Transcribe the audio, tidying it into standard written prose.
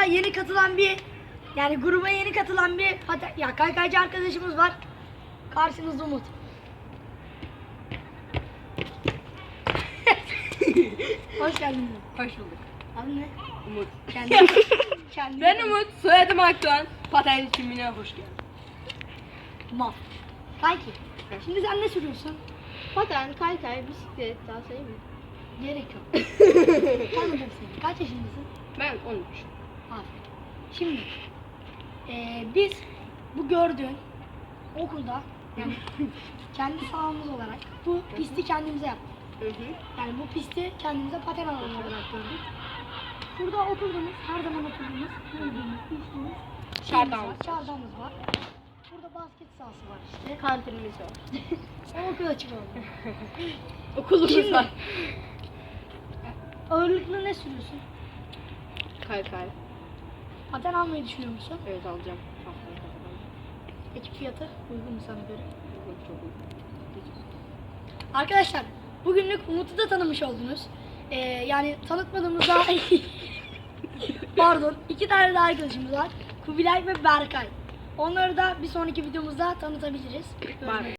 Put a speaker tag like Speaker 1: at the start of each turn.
Speaker 1: grubumuza yeni katılan bir gruba yeni katılan bir kaykaycı arkadaşımız var. Karşınızda Umut. Hoş geldin.
Speaker 2: Hoş bulduk.
Speaker 1: Adın ne?
Speaker 2: Umut.
Speaker 1: Kendi.
Speaker 2: Ben Umut, soyadım Akdoğan. Paten kimliğine hoş geldin.
Speaker 1: Mal. Kanki. Şimdi sen ne sürüyorsun?
Speaker 3: Paten, kaykay, bisiklet daha sayayım mı?
Speaker 1: Gerek yok. Tanıdım seni. Kaç yaşındasın?
Speaker 2: Ben 13.
Speaker 1: Aferin. Şimdi biz bu gördüğün okulda yani kendi sahamız olarak bu pisti kendimize yaptık. Yani bu pisti kendimize paten alanı olarak gördük. Burada oturduğumuz, her zaman oturduğumuz, gördüğümüz, içtiğimiz çardağımız var. Burada basket sahası var işte.
Speaker 3: Kantinimiz var.
Speaker 1: O okul açık oldu.
Speaker 2: Okulumuz
Speaker 1: Şimdi-
Speaker 2: var.
Speaker 1: Ağırlıklı ne sürüyorsun?
Speaker 2: Kaykay.
Speaker 1: Paten almayı düşünüyor musun?
Speaker 2: Evet alacağım. Haftaya kadar.
Speaker 1: Peki fiyatı uygun mu sana göre?
Speaker 2: Çok uygun.
Speaker 1: Arkadaşlar bugünlük Umut'u da tanımış oldunuz. Yani tanıtmadığımız daha pardon 2 tane daha arkadaşımız var. Kubilay ve Berkay. Onları da bir sonraki videomuzda tanıtabiliriz.
Speaker 2: Var.